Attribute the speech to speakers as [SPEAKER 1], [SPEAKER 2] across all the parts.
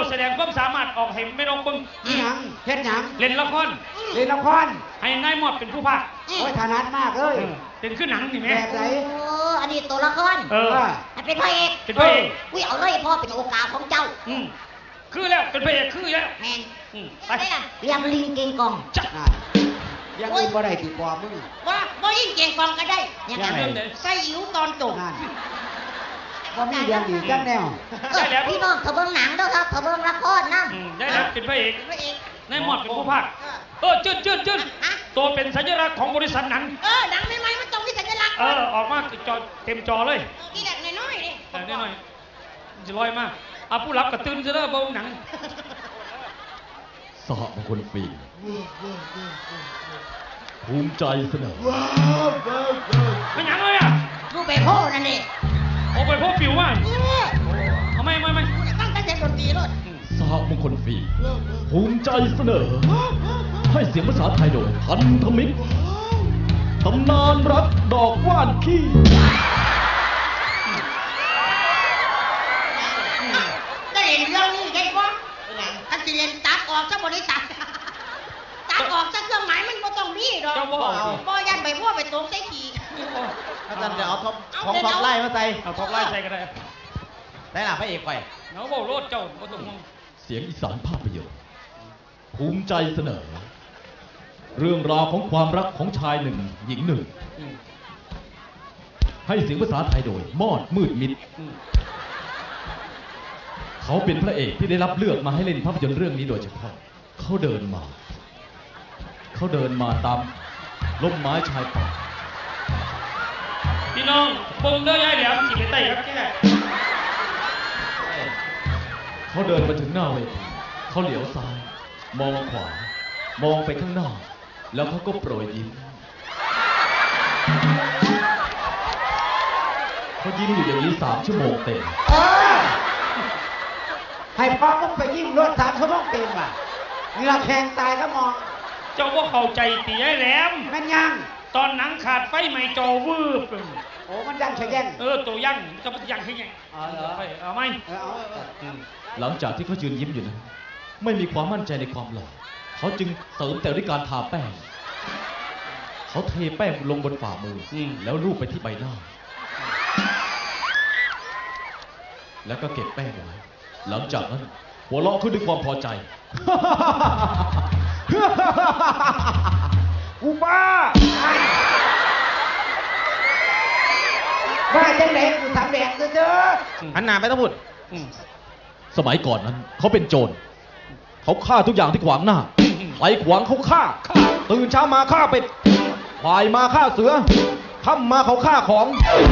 [SPEAKER 1] แสดงความสามารถออกให้ไม่ลงบึง
[SPEAKER 2] หยังเฮ็ดหยัง
[SPEAKER 1] เล่นละครให้นายหมดเป็นผู้พากย์
[SPEAKER 2] โอ้ยถนัดมากเลย
[SPEAKER 1] เป็นขึ้นหนังนี่แม่
[SPEAKER 2] แบบไหน
[SPEAKER 3] อันนี้ตัวละครเป็นพระเอกอุ้ยเอาเลยพ่อเป็นโอกาสของเจ้า
[SPEAKER 1] คือแล้วเป็นพระเอกคือแล้ว
[SPEAKER 3] แมนไปเรียงลิงเก่งกอง
[SPEAKER 1] จัด
[SPEAKER 2] ยังอีกบ่ได้ติดปอมึง
[SPEAKER 3] ว่าบ่ยิ่งเก่งกองก็ได้ยังไงใส่อิ๋วตอนจบ
[SPEAKER 2] ก็มีเรียงอีกจังแนว
[SPEAKER 3] พี่น้องเขาเบิ่งหนังด้วยครับเขาเบิ่งละครนะ
[SPEAKER 1] ได้แล้วเป็นพระเอกนายหมดเป็นผู้พากย์จืดตัวเป็นสัญลักษณ์ของบริษัทหนัง
[SPEAKER 3] หนังใหม่ๆมันต้องมีสัญลักษณ์
[SPEAKER 1] ออกมาจอเต็มจอเลย
[SPEAKER 3] นี่แหละน้อยๆ
[SPEAKER 1] นี่น้อยจะลอยมากเอาผู้รับกระตื้นซะแล้วเบาหนัง
[SPEAKER 4] สหมงคลฟิล์มภูมิใจเสนอ
[SPEAKER 1] ไม่หนังเลยอ่ะ
[SPEAKER 3] รูปไปโพ่นั่นเอง
[SPEAKER 1] โอ้ไปโพ่ปิวมากเอาไม่
[SPEAKER 3] ตั้งแต่ดนตรีเลย
[SPEAKER 4] สหมงคลฟิล์มภูมิใจเสนอให้เสียงภาษาไทยโดยพันธมิตรตำนานรักดอกว่านขี้
[SPEAKER 3] ได้เห็นเรื่องนี้ได้ปะอันที่เรียนตัดออกซะบริษัทตัดออกซะเครื่องหมายมันไม่ต้องมีหรอกบ่ยันไปพ่อไปตกใส่ขี่
[SPEAKER 2] อาจารย์จะเอาของท็อปไล่มาใส่
[SPEAKER 1] เอาท็อปไล่ใส่ก็ได้
[SPEAKER 2] ได้หล่ะพระเอกไป
[SPEAKER 1] เนาะบอกโลดเจ้าบ่ต้องห่วง
[SPEAKER 4] เสียงอีสานภาพยนตร์ภูมิใจเสนอเรื่องราวของความรักของชายหนึ่งหญิงหนึ่งให้เสียงภาษาไทยโดยมอดมืดมิดเขาเป็นพระเอกที่ได้รับเลือกมาให้เล่นภาพยนตร์เรื่องนี้โดยเฉพาะเขาเดินมาตามร่มไม้ชายป่า
[SPEAKER 1] พี่น้องปงเด้อยายแหลมขี่ไปไต่ครับแก
[SPEAKER 4] เขาเดินมาถึงหน้าเวทีเขาเหลียวซ้ายมองขวามองไปข้างหน้าแล้วเขาก็โปรยยิ้มเขายิ้มอยู่อย่างนี้3 ชั่วโมงเต็ม
[SPEAKER 2] ให้พ่อก็ไปยิ้มรถ3 ชั่วโมงเต็มอ่ะเหงื่อแข็งตายก็มอง
[SPEAKER 1] เจ้าว่าเข้าใจตียายแหลม
[SPEAKER 2] มันยัง
[SPEAKER 1] ตอนหนังขาดไฟใหม่จอวืบ
[SPEAKER 2] โอ้มันยังใช่ยัง
[SPEAKER 1] ตัวยังจะมันยังใช่ยังเอาไหม
[SPEAKER 4] หลังจากที่เขายืนยิ้มอยู่นั้นไม่มีความมั่นใจในความหล่อเขาจึงเสริมแต่ด้วยการทาแป้งเขาเทแป้งลงบนฝ่ามือแล้วลูบไปที่ใบหน้าแล้วก็เก็บแป้งไว้หลังจากนั้นหัวเราะขึ้นด้วยความพอใจ
[SPEAKER 2] กูบ้าจังไหนกูทำแดงเด้อ
[SPEAKER 4] หันหน้าไปต้องพูดสมัยก่อนนั้นเขาเป็นโจรเขาฆ่าทุกอย่างที่ขวางหน้าไปขวางเขาฆ่าตื่นเช้ามาฆ่าเป็ดบ่ายมาฆ่าเสือค่ำมาเขาฆ่าของ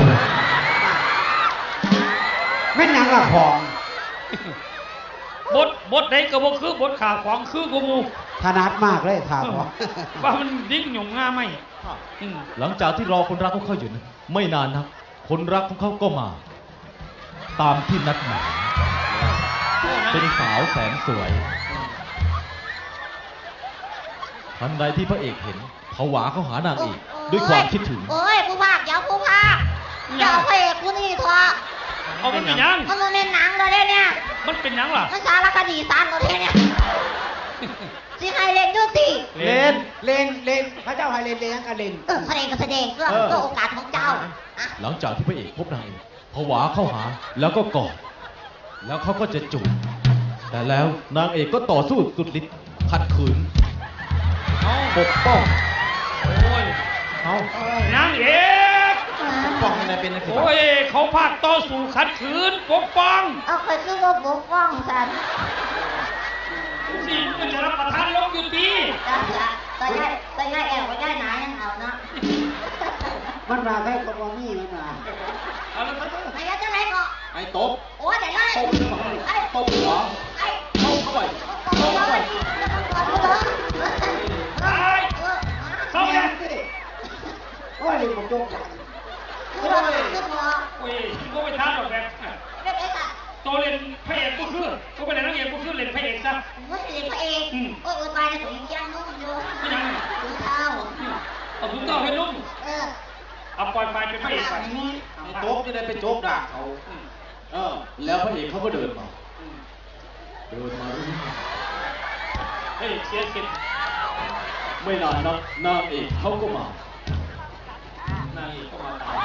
[SPEAKER 2] ไม่นังละของ
[SPEAKER 1] บทไหนก็บ่คือบทข่าวของคือกูมู
[SPEAKER 2] ถนัดมากเลยข่าวของ
[SPEAKER 1] ว่ามันดิ้งหย่งง่าไหม
[SPEAKER 4] หลังจากที่รอคนรักของเขาอยู่นั้นไม่นานนักคนรักของเขาก็มาตามที่นัดหมายเป็นสาวแสนสวยทันใดที่พระเอกเห็นผวาเข้าหานางเอกด้วยความคิดถึง
[SPEAKER 3] โอ้ยผู้ภาคอย่าผู้ภาคอย่าพระเอกกูนี่ทว่า
[SPEAKER 1] เอามันเป็นยัง
[SPEAKER 3] มันเป็นหนังเลยเนี่ย
[SPEAKER 1] มันเป็นยังล่ะ
[SPEAKER 3] มันสารคดีสารเลยเนี่ยสิให้เล่นยุติ
[SPEAKER 2] เล่นพระเจ้าให้เล่นยังกันเล่น
[SPEAKER 3] แสดงก็แสดงเพื่อโอกาสของเจ้า
[SPEAKER 4] หลังจากที่พระเอกพบนางเอกผวาเข้าหาแล้วก็กอดแล้วเขาก็จะจูบแต่แล้วนางเอกก็ต่อสู้สุดฤทธิ์ขัดขืนปกป้อง
[SPEAKER 1] โอ้ยนางเอก
[SPEAKER 2] ปกป้องอะไรเป็นอะไร
[SPEAKER 1] โอ้ยเขาพากต่อสู้ขัดขืนปกป้อง
[SPEAKER 3] เคยคือว่าปกป้องสัน
[SPEAKER 1] สิมันจะรับประทานลงอยู่ดี
[SPEAKER 3] แต่ง่ายแอบไว้ได้หนายังเอาเนาะ
[SPEAKER 2] มันมาได้กบมี่มันมา
[SPEAKER 3] ไอ้ยักษ์จะไหนก็
[SPEAKER 4] ไอ้ตบ
[SPEAKER 3] โอ้ยแต่ได้
[SPEAKER 4] ตบหัวตบเข้าไป
[SPEAKER 1] เข้าเลย
[SPEAKER 2] โอ้ยผมโจก
[SPEAKER 3] คือพอ
[SPEAKER 1] อุ้ยก็ไม่ท้าหรอกแบบตัวเล่นพระเอกก็คือก็เป็นนักเอกก็คือเล่นพระเอกซะ
[SPEAKER 3] ไม่เล่นพระเอกตายในถุงยางนุ่มอยู่ถุงเท้า
[SPEAKER 1] เอาถุงเท้าให้นุ่มเอาปล่อยไปเป็นพระเอกไป
[SPEAKER 4] โจ๊กจะได้ไปโจ๊กด่าเขาแล้วพระเอกเขาก็เดินมาเดินมาเรื่อย
[SPEAKER 1] เฮ้ยเสียสิทธิ์
[SPEAKER 4] ๆไม่นานนักนางเอกเขาก็มา
[SPEAKER 1] นางเอกก็มาตาม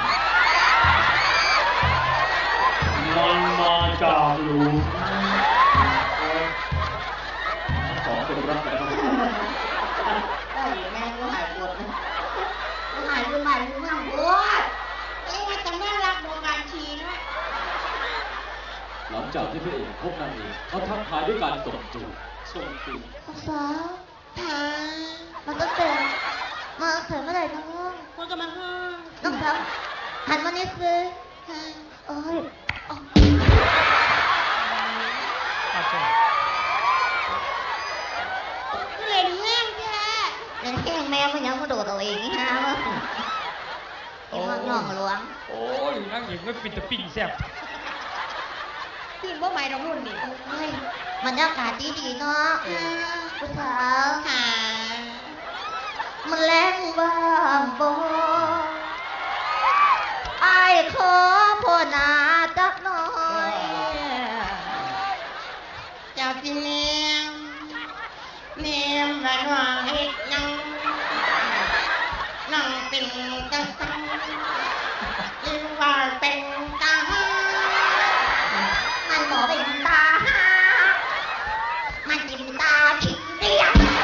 [SPEAKER 4] มันมาจากหลุมสองคนรักกัน
[SPEAKER 3] ได้แม่กูหายปวดกูหายกูหายกูนั่งปวดไอ้ว่าจะน่ารักโบราณชีนะ
[SPEAKER 4] หลังจากที่พระเอกพบนางเอกเขาทักทายด้วยการตบจูบ
[SPEAKER 1] ส่งจูบ
[SPEAKER 5] สาวถามมันตั้งแต่มาเสร็จเมื่อไหร่น้อง
[SPEAKER 3] กูจะมาห้าม
[SPEAKER 5] น้องสาวหันมานิดสิโอ้ยอ๋อ
[SPEAKER 1] อาเจ้
[SPEAKER 3] กูเล่นแห้งแค่
[SPEAKER 5] เป็นแค่แมวมันยังมาโดดตัวเองนี่ฮะวะไอ้พวกน้องหลวง
[SPEAKER 1] โอ้ยนางเอกไม่ปิดตะปิ้งแซ่บ
[SPEAKER 3] ตื่นว่าใหม่ดอกรุ่นนี่
[SPEAKER 5] โอ้ยบรรยากาศดีๆเนาะผู้สาว
[SPEAKER 3] หา
[SPEAKER 5] มันแรงบ้างบ่ไอ้ายขอพ่อหนาจักหน่อย
[SPEAKER 3] เจ้าสิเนียมเนียมว่าน้องเฮ็ดหยังน้องเป็นจังสันหรือว่าเป็นตาหา
[SPEAKER 5] มันบอกเป็นตาหามันกินตาขี้เดียว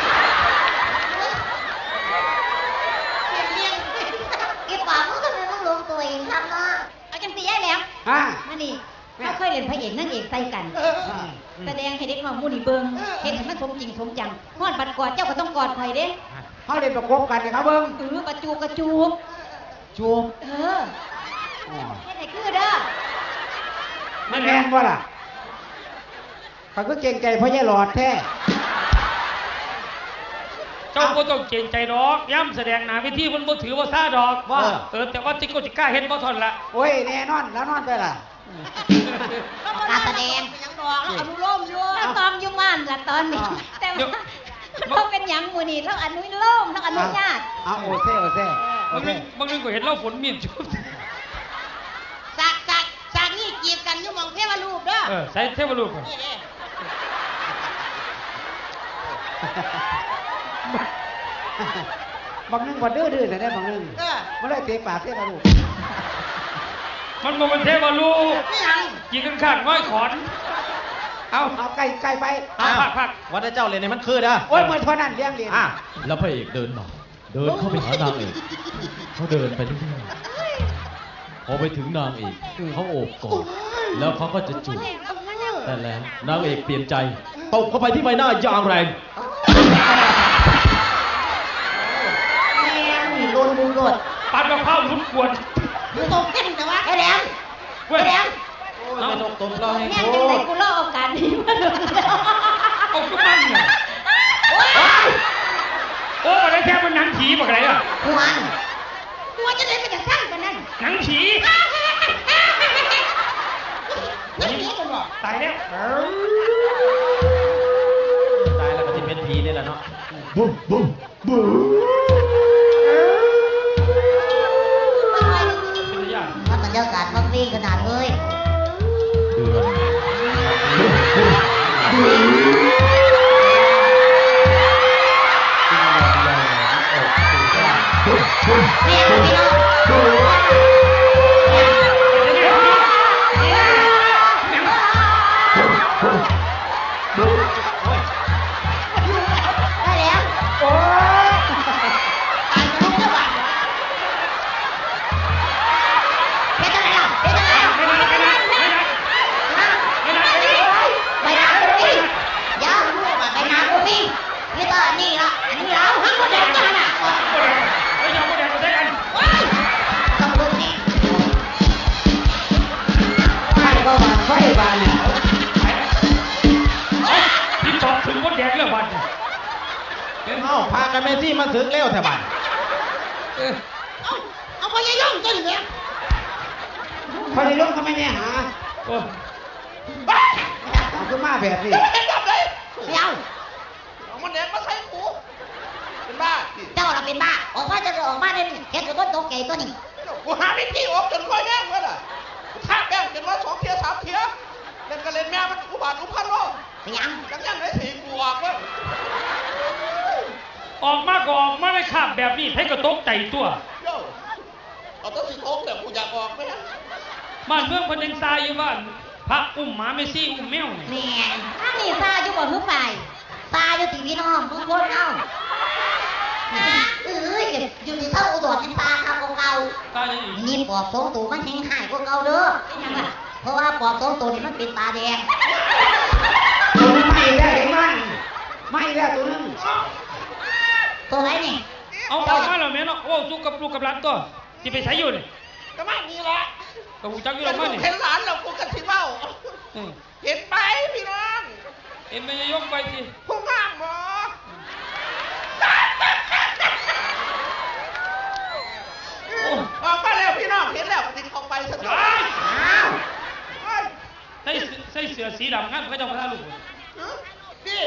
[SPEAKER 3] เลี้ยง
[SPEAKER 5] ไอ้ปากมึงทำไมมึงลงตัวเองครับเนาะ
[SPEAKER 3] เอาจังสีได้แล้ว
[SPEAKER 2] ฮะ
[SPEAKER 6] นั่นนี่เขาเคยเล่นพระเอกนางเอกใส่กัน
[SPEAKER 3] เออ
[SPEAKER 6] แสดงให้เด็กน้องมูนี่เบิงเห็นให้มันสมจริงสมจังฮอดบัดกอดเจ้าก็ต้องกอดข่อยเด้
[SPEAKER 2] เขาเล่นประกบกันเลยครับเบิ้ง
[SPEAKER 6] กระจูบกระจูบ
[SPEAKER 2] จูบ
[SPEAKER 6] เออ
[SPEAKER 2] อ๋อ
[SPEAKER 6] เฮ็ดให้คือเด้อ
[SPEAKER 2] มันแมนว่าล่ะเขาก็เก่งใจเพราะยายหลอดแท้
[SPEAKER 1] เจ้าก็ต้องเกรงใจดอกย้ำแสดงหนาวิธีมันบ่ถือว่าซาดอก
[SPEAKER 2] ว่า
[SPEAKER 1] แต่ว่าจิกโกจิกล้าเห็นบ่ทนละ
[SPEAKER 2] โอ้ยแน่นอนแล้วนอนไปล่ะ
[SPEAKER 5] การแสดง
[SPEAKER 3] เป็นหยังดอกแล้วอนุโลมอยู่
[SPEAKER 6] เราตอมอยู่ม่านละตอนนี้ แต่ว่าเราเป็นหยังมูนี่เราอนุโลมเราอนุญาต
[SPEAKER 2] เอาโอเซ่โอเซ่โอบ
[SPEAKER 1] าง
[SPEAKER 2] เซ่
[SPEAKER 1] นึงบางนึงก็เห็นเราฝนมีดชุบ
[SPEAKER 3] จากนี่จีบกันอยู่หมองเทวรูปเด้อ
[SPEAKER 1] ใส่เทวรูป
[SPEAKER 3] นี่เด้
[SPEAKER 2] บางนึงบ่ดื้อๆแต่ได้บางนึง
[SPEAKER 3] เออ
[SPEAKER 2] มันเลยเตะปากเตะกระดูก
[SPEAKER 1] มันบ่เป็นเทวรูป
[SPEAKER 3] ไม่หยัง
[SPEAKER 1] ยิงกันข้างง้อยขอน
[SPEAKER 2] เอาไก่ไป
[SPEAKER 1] พัก
[SPEAKER 4] วัดเจ้าเรียนในมันคือนะ
[SPEAKER 2] โอ้ยเหมือนเท่านั้นเลี้ยงเรียน
[SPEAKER 4] แล้วพระเอกเดินมาเดินเข้าไปหานางเอกเขาเดินไปเรื่อยๆพอไปถึงนางเอกเขาโอบกอดแล้วเขาก็จะจูบแต่แล้วนางเอกเปลี่ยนใจตบเข้าไปที่ใบหน้าอย่างแรง
[SPEAKER 5] แม่นี่โดนบุญโดด
[SPEAKER 1] ปัดมะพร้าวลุ้นกวน
[SPEAKER 3] มึงตกเพ่นแต่ว่า
[SPEAKER 5] ไอ้แหลม
[SPEAKER 1] เว้ย
[SPEAKER 5] ไอ้แหลม
[SPEAKER 1] เอา
[SPEAKER 4] ตบเราให้
[SPEAKER 6] แม่งจังไดกูรอโอกาสนี้มาโดนแล้ว
[SPEAKER 1] เอาขึ้นมันเนี่ยโอ้อะไรแค่มันหนังผีบอกอะไรอ่ะ
[SPEAKER 5] หวน
[SPEAKER 3] กูว่าจะได้ไปจากข้างกันนั่น
[SPEAKER 1] หนังผี
[SPEAKER 3] นั่นนี่กันบ่
[SPEAKER 1] ตายแล้ว
[SPEAKER 4] ตายแล้วก็ที่เป็นผีนี่แหละเนาะ
[SPEAKER 1] เป็นญาติ
[SPEAKER 5] มันบรรยากาศมันวิ่งขนาดเลย
[SPEAKER 4] เดือน
[SPEAKER 5] แม่พี่น้องได้แล้ว
[SPEAKER 2] โอ้ย
[SPEAKER 3] ตายจะลุกจะบาด
[SPEAKER 5] เพชรอะไรล่ะเพชรอะไรล่ะ
[SPEAKER 1] ไม่ได้ไม่ได้ไม่ได้ไม่ได้
[SPEAKER 5] ไปนากูมียาวไปนากูมีนี่ก็นี่ละอันนี้ละทั้งหมดเลยกันอ่ะ
[SPEAKER 1] ไอ้ยอมไม่ได้ก็ได้กัน
[SPEAKER 5] ต้องดูนี่
[SPEAKER 2] ไฟก็บานไฟบานเนี่ย
[SPEAKER 1] ที่ตอบถึงมดแดงเรื่องบัตร
[SPEAKER 4] เอ้าพากันเมซี่มาถึงเร็วแถวบ้าน
[SPEAKER 3] เอาพยายามจนเนี่ย
[SPEAKER 2] พอในร่มก็ไม่แน่หา
[SPEAKER 1] โอ้
[SPEAKER 2] เอาขึ้นมาแบบนี้
[SPEAKER 3] เห็นกับเลย
[SPEAKER 5] เดี๋ยว
[SPEAKER 3] เอามันแดงมาใส่หูเป็นบ้า
[SPEAKER 5] เจ้าเราเป็นบ้าออกมาจะออกมาเนี่ยเห็นกับต้นโตเกยตัวนี้
[SPEAKER 3] กูหาวิธีออกจนค่อยแห้งแล้วล่ะถ้าแป้งจนว่า2 เทีย 3 เทียเล่นก็เล่นแม่มันอุบาทอุพันโล
[SPEAKER 5] ไปยัง
[SPEAKER 7] จังยังได้สีกูออกวะ
[SPEAKER 1] ออกมาก็ออกมาได้คาบแบบนี้ให้กระตกใจตัว
[SPEAKER 7] โย่เอาต้องสีโอ๊กแต่กูอยากออกไหมฮะ
[SPEAKER 1] บ้านเมืองเพันยังทรายอยู่บ้านพระอุ้มหมาเมซี่อุ้มแมวนี่
[SPEAKER 5] แม่อันนี้ซาอยู่บ่หือฝ่ายซาอยู่ที่พี่น้องทุกคนเอาอยู่ที่เท่าอุดรเป็นตาครับของเรา
[SPEAKER 1] ตาจะอีก
[SPEAKER 5] นี่ปอบสองตัวมันแห้งหายกว่าเก่าเด้อเพราะว่าปอบสองตัวนี่มันเป็นตาแดง
[SPEAKER 2] ตัวนึงไม่ได้เห็นมันไม่ได้ตัวนึง
[SPEAKER 5] ตัวไหนนี่
[SPEAKER 1] เอามาแล้วแม่เนาะโอ้สู้กับลูกกับหลานตัวที่ไปใช้อยู่นี่
[SPEAKER 7] ก็ไม่มีละ
[SPEAKER 1] กับหูจักอยู่
[SPEAKER 7] แต่
[SPEAKER 1] แล้ว
[SPEAKER 7] ลู
[SPEAKER 1] มั้
[SPEAKER 7] ก
[SPEAKER 1] นี่
[SPEAKER 7] เห็นหลานเรากูกันที่เบ้า
[SPEAKER 1] อืม
[SPEAKER 7] เห็นไปพี่น้อง
[SPEAKER 1] เอ็มไม่ยกไปสิ
[SPEAKER 7] ผู้งามหมอออกมาแล้วพี่น้องเห็นแล้วติดของไปสะดุด
[SPEAKER 5] อ้าว
[SPEAKER 1] ใส่เสื้อสีดำงั้นเขาจะมาท่าลูก
[SPEAKER 7] นี่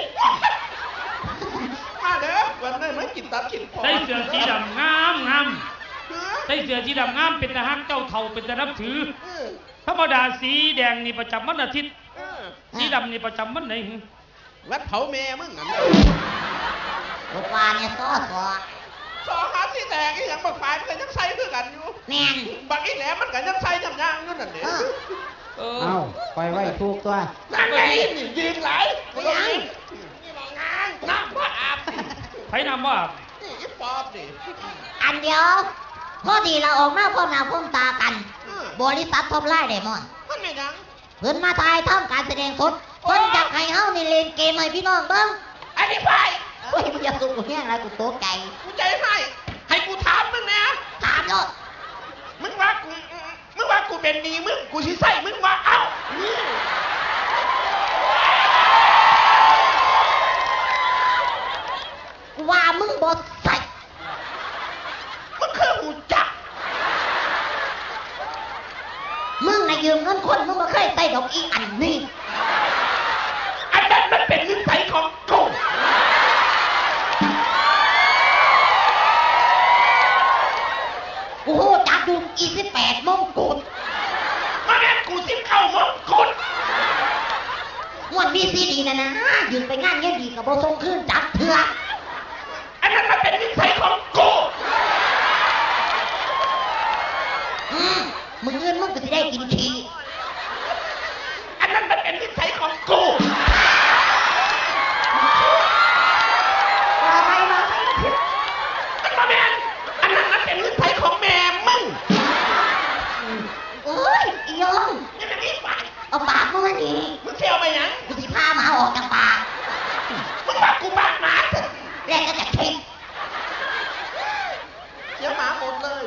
[SPEAKER 7] มาเด้อวันนี้ไม่กินตับกิน
[SPEAKER 1] ใส่เสื้อสีดำงามงามใส่เสื้อสีดำงามเป็นทหารเจ้าเท่าเป็นทหารนับถือธรรมดาสีแดงนี่ประจำวันอาทิตย์สีดำนี่ประจำวันไหน
[SPEAKER 7] วัดเผาแม่มึงนั่น
[SPEAKER 5] ลูกวานเนี่ยซ้อ
[SPEAKER 7] สองหาที่แตกอีหยังบักฝ่ายมันก็ยังใส่คือกันอยู่
[SPEAKER 5] แม่น
[SPEAKER 7] บักอีแหลมมันก็ยังใส่ย่ำย่างอยู่นั่นนี่
[SPEAKER 1] เออ
[SPEAKER 2] เอาปล่อยไว้ถูกตัว
[SPEAKER 7] นั่นไงนี่ยืนไหลกูต้องยืนนี่มางานน้ำว่าอาบ
[SPEAKER 1] ไผนำว่า
[SPEAKER 7] นี่อีปอบดิ
[SPEAKER 5] อันเดียวพอดีเราออกมาพร้อมหน้าพร้อมตากัน บริษัทท็อปไลน์เดมอน
[SPEAKER 7] มันไม่ยัง
[SPEAKER 5] เพิ่นมาถ่ายทำการแสดงสดเพิ่นอยากให้เฮานี่เล่นเกมให้พี่น้องเบิ่ง
[SPEAKER 7] อันนี้ไป
[SPEAKER 5] โอ้ยมึงอย่าสู้กูแห้งไรกูโตใจ
[SPEAKER 7] กูใจให้กูถามมึงนะ
[SPEAKER 5] ถามโลด
[SPEAKER 7] มึงว่ากูเป็นดีมึงกูสิใส่มึงว่าเอ้านี่
[SPEAKER 5] กูว่ามึงบ่ใส่
[SPEAKER 7] มึงคือหูจัก
[SPEAKER 5] มึงน่ะยืมเงินคนมึงบ่เคยใส่ดอกอีอันนี้
[SPEAKER 7] อันนั้นมันเป็นนิสัยของกู
[SPEAKER 5] กูฮู้จักอยู่อี18มงกุฎ
[SPEAKER 7] มาแม่กูซิมเข้ามงกุฎ
[SPEAKER 5] ม่วนมีซีดีนะนะยืมไปงานเงี้ยดีก็บ่ส่งคืนจักเถื่อ
[SPEAKER 7] อันนั้นมันเป็นนิสัยของกู
[SPEAKER 5] มึงอื่นมึงก็สิได้กินขี้
[SPEAKER 7] อันนั้นมันเป็นนิสัยของกู
[SPEAKER 5] ว่าไปมา
[SPEAKER 7] มันมาแม่นอันนั้นมันเป็นนิสัยของแม่มึง
[SPEAKER 5] โอ้ยอียง
[SPEAKER 7] นี่มันนี่ปาก
[SPEAKER 5] เอาปากมึงมานี่
[SPEAKER 7] มึงเที่ยวไปยัง
[SPEAKER 5] กูสิพาหมาออกจากปาก
[SPEAKER 7] มึงว่ากูบ้าหมาเถอะ
[SPEAKER 5] แรกก็จะคิด
[SPEAKER 7] เสียหมาหมดเลย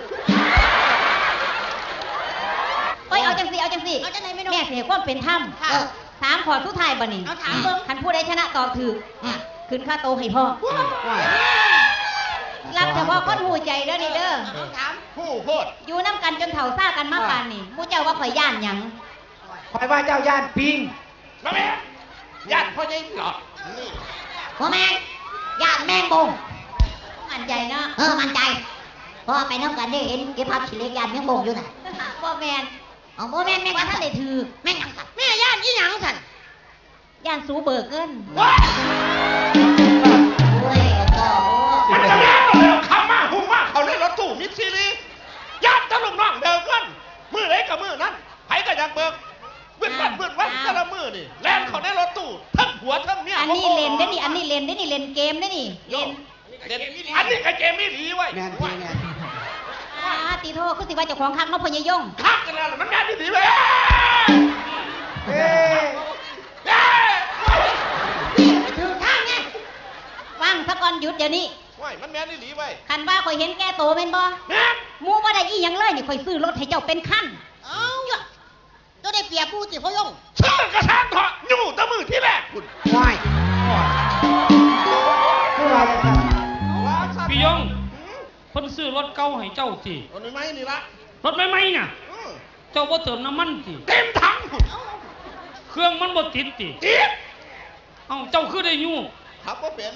[SPEAKER 6] เอ้ยเอาจังสิเอาจังสิ
[SPEAKER 3] เอาจังไหนไม่รู้
[SPEAKER 6] แม่เสียความเป็นธรรม
[SPEAKER 3] ค่ะ
[SPEAKER 6] ถามขอสุดท้ายบ่นี่
[SPEAKER 3] เอาถามเบิ่ง
[SPEAKER 6] คันผู้ใดชนะตอบถูกขึ้นค่าโตให้พ่อ
[SPEAKER 2] ว่า
[SPEAKER 6] รับเฉพาะคนหูใจเด้อนี่เด้อ
[SPEAKER 3] ถาม
[SPEAKER 7] ผู้โคตร
[SPEAKER 6] อยู่น้ำกันจนเฒ่าซ่ากันมาปานนี่หมู่เจ้าว่าข่อยย่านหยัง
[SPEAKER 2] คอยว่าเจ้าย่านปิง
[SPEAKER 7] มาแม่ญาติพ่อใหญ่หรอกนี่
[SPEAKER 5] พ่อแม่งย่านแมงบง
[SPEAKER 6] มั่นใจเนาะ
[SPEAKER 5] มั่นใจเพราะว่าไปน้ำกันได้เห็นเก็บภาพขี้เหล็กย่านแมงบงอยู่น่ะ
[SPEAKER 6] บ่แม่น
[SPEAKER 5] เอาพ่อแม่งแม่ง
[SPEAKER 6] ว่า
[SPEAKER 5] ยัง
[SPEAKER 6] ท่าน
[SPEAKER 5] ใส่
[SPEAKER 6] ได้ถือ
[SPEAKER 5] แม่งยังใส่
[SPEAKER 3] แม่ย่านยี่หยังสัน
[SPEAKER 6] ย่านสูเบิกเงิน
[SPEAKER 7] ว้า
[SPEAKER 5] โอ้ยก็
[SPEAKER 7] มันจะแม่ก็เร็วคำมากหุ่มมากเขาในรถตู้มิตรซีรีญาติตะลุงน้องเดิมกันมือไหนกับมือนั้นไผก็อยากเบิกเวื่อนวันแต่ละมือนี่แล่นเขาในรถตู้ทั้งหัวทั้งเมีย
[SPEAKER 6] อันนี้เล่นได้อนี่อันนี้เล่นได้อนี่เล่นเกมได้อนี่เล่น
[SPEAKER 7] อันนี้ก็เกมไม่ดีไว้
[SPEAKER 2] แม่นทีแม่น
[SPEAKER 6] ตีโทษคือสิว่าเจ้าของคักเนาะพ่อยายยง
[SPEAKER 7] คักกันแล้วมันแม่นดีไหม
[SPEAKER 2] เอ้ย
[SPEAKER 5] ถึงข้างไง
[SPEAKER 6] ฟังซะก่อนหยุดเดี๋ยวนี้
[SPEAKER 7] ว้ายมันแม่นดีไว้
[SPEAKER 6] คันว่าข่อยเห็นแก่โตแม่นบ่
[SPEAKER 7] แม่น
[SPEAKER 6] หมู่บ่ได้อีหยังเลยนี่ข่อยซื้อรถให้เจ้าเป็นคัน
[SPEAKER 3] เอ้าเจ้าได้เปรียบผู้สิพ่อยง
[SPEAKER 7] ชื่อกระชากเถาะอยู่แตะมือที่แรกคุณ
[SPEAKER 2] ว่ายคือว่าจะท
[SPEAKER 7] ว้าวสัตว์
[SPEAKER 1] พี่ยงเพิ่นซื้อรถเก่าให้เจ้าสิ
[SPEAKER 7] เอาหน่อยไหมนี่ละ
[SPEAKER 1] รถใหม่ๆน่ะ เจ้าบ่เติมน้ำมันสิ
[SPEAKER 7] เต็มถัง
[SPEAKER 1] เครื่องมันบ่ติดสิ
[SPEAKER 7] จี๊ด
[SPEAKER 1] เอ้าเจ้าคือได้อยู่
[SPEAKER 7] ขับว่าเป็น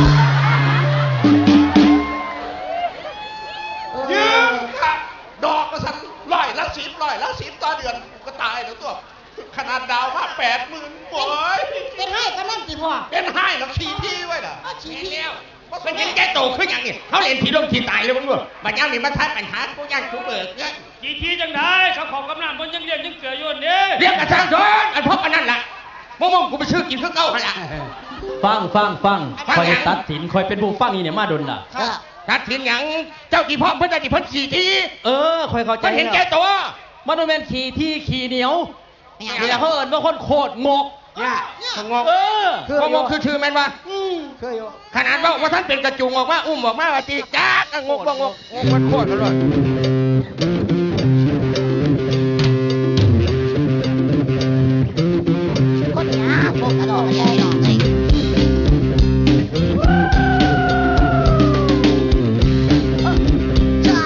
[SPEAKER 5] เอ
[SPEAKER 7] ยื
[SPEAKER 5] อ
[SPEAKER 7] มค่ะดอกกระสัน100 ละ 10ต่อเดือนกูก็ตายแล้วตัวขขนาดดาวมา80,000โอ้ย
[SPEAKER 3] เป็นให้ก็นั่นสิพ่อ
[SPEAKER 7] เป็นให้แล้วขี่ที่ไว้ล่ะ
[SPEAKER 3] เอาฉีดแล้ว
[SPEAKER 7] มันเห็นแกโตขึ้นอย่างนี้เขาเรียนผีลมผีตายเลยมึงด้วยบัดย่างนี่มาทัดปัญหากูย่างกูเบิกเนี่ย
[SPEAKER 1] กี่ทีจังได้เขาของกำนันบนยังเรียนยังเกลืออยู่นี่
[SPEAKER 7] เรียกกระช่างสอนอันพบอันนั้นแหละมงกูไปซื้อกินเพื่อเก้าหันละ
[SPEAKER 4] ฟัง
[SPEAKER 7] ฟัง
[SPEAKER 4] คอย
[SPEAKER 7] หยัง
[SPEAKER 4] ตัดสินคอยเป็นผู้ฟังนี่เนี่ยมาดนล่ะ
[SPEAKER 7] ทัดสินหยังเจ้าที่พ่อเพื่อนเจ้าที่เพิ่นขี่ที
[SPEAKER 4] คอยเข้าใจ
[SPEAKER 7] มันเห็นแก
[SPEAKER 4] แล้ว
[SPEAKER 7] ตัว
[SPEAKER 4] มันโดนแมนขี่ที่ขี่เหนียวนี่แหละเขาเอิญว่าคนโคตรงก
[SPEAKER 2] เนี่ย
[SPEAKER 7] สงบ
[SPEAKER 2] คือ
[SPEAKER 7] งงคือชื่อแม่นวะ
[SPEAKER 2] คืออยู่
[SPEAKER 7] ขนาดว่าท่านเป็นกระจุงออกมาอุ้มออกมาว่าตีจ้างงงมันโคตรเลย
[SPEAKER 5] คนหาพวกกระโดดกระโดดเลยจ้า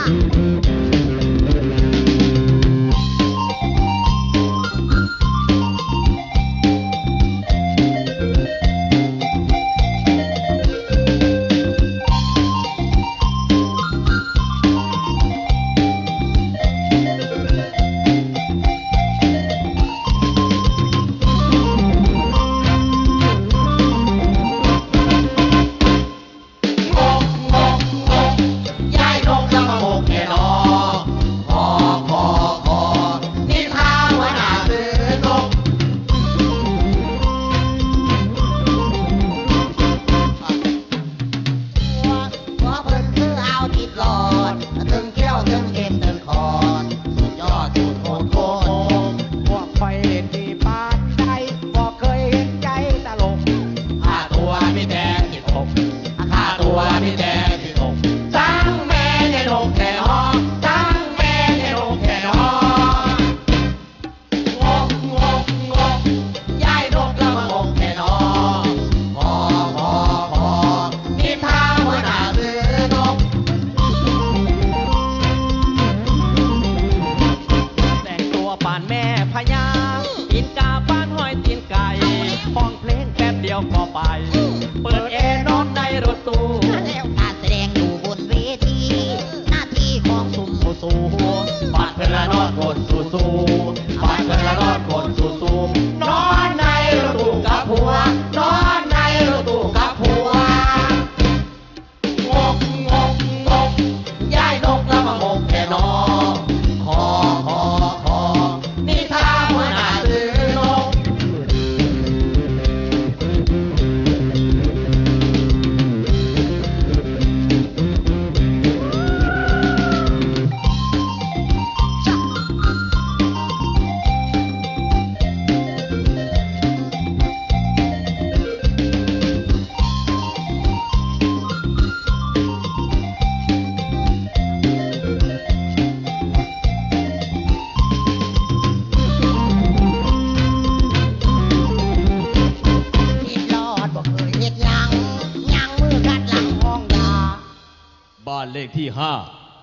[SPEAKER 4] เลขที่5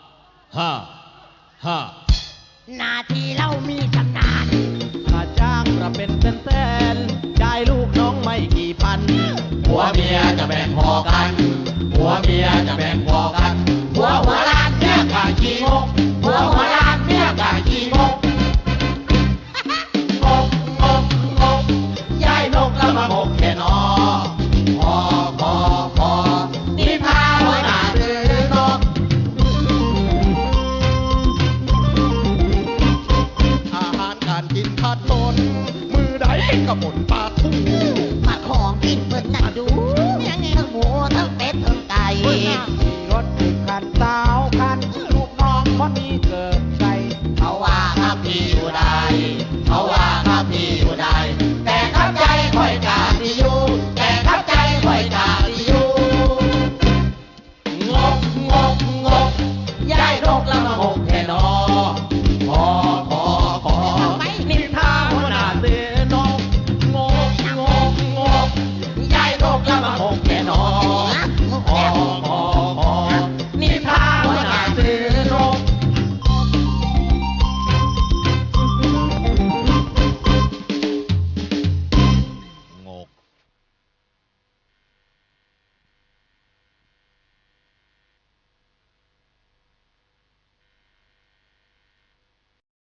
[SPEAKER 5] นาทีเรามีชำนาญ
[SPEAKER 4] ค่าจ้างเราเป็นแสนๆได้ลูกน้องไม่กี่พันผัวเมียจะแบ่งพอกัน